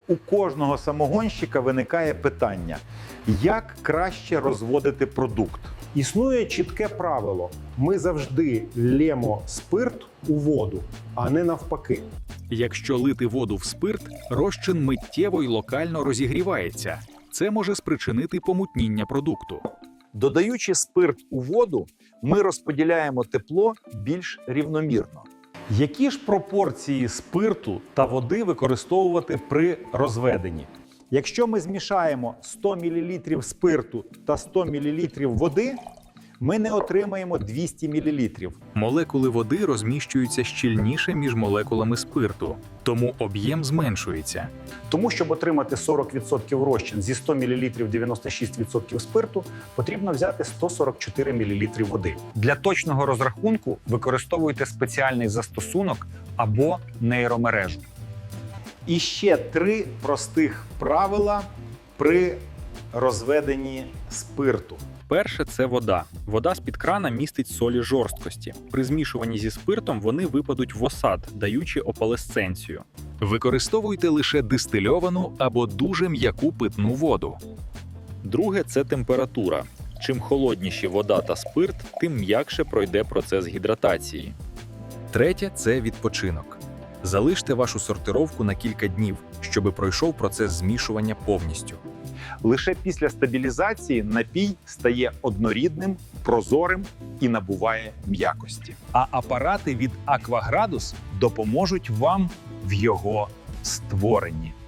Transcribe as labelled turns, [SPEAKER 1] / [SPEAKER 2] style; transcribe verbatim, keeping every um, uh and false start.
[SPEAKER 1] у кожного самогонщика виникає питання, як краще розводити продукт.
[SPEAKER 2] Існує чітке правило: ми завжди лємо спирт у воду, а не навпаки.
[SPEAKER 3] Якщо лити воду в спирт, розчин миттєво й локально розігрівається. Це може спричинити помутніння продукту.
[SPEAKER 1] Додаючи спирт у воду, ми розподіляємо тепло більш рівномірно. Які ж пропорції спирту та води використовувати при розведенні? Якщо ми змішаємо сто мілілітрів спирту та сто мілілітрів води, ми не отримаємо двісті мілілітрів.
[SPEAKER 3] Молекули води розміщуються щільніше між молекулами спирту, тому об'єм зменшується.
[SPEAKER 2] Тому, щоб отримати сорок відсотків розчин зі ста мілілітрів дев'яносто шість відсотків спирту, потрібно взяти сто сорок чотири мілілітри води.
[SPEAKER 4] Для точного розрахунку використовуйте спеціальний застосунок або нейромережу.
[SPEAKER 1] І ще три простих правила при розведенні спирту.
[SPEAKER 3] Перше – це вода. Вода з-під крана містить солі жорсткості. При змішуванні зі спиртом вони випадуть в осад, даючи опалесценцію. Використовуйте лише дистильовану або дуже м'яку питну воду. Друге – це температура. Чим холодніші вода та спирт, тим м'якше пройде процес гідратації. Третє – це відпочинок. Залиште вашу сортировку на кілька днів, щоб пройшов процес змішування повністю.
[SPEAKER 1] Лише після стабілізації напій стає однорідним, прозорим і набуває м'якості.
[SPEAKER 4] А апарати від Акваградус допоможуть вам в його створенні.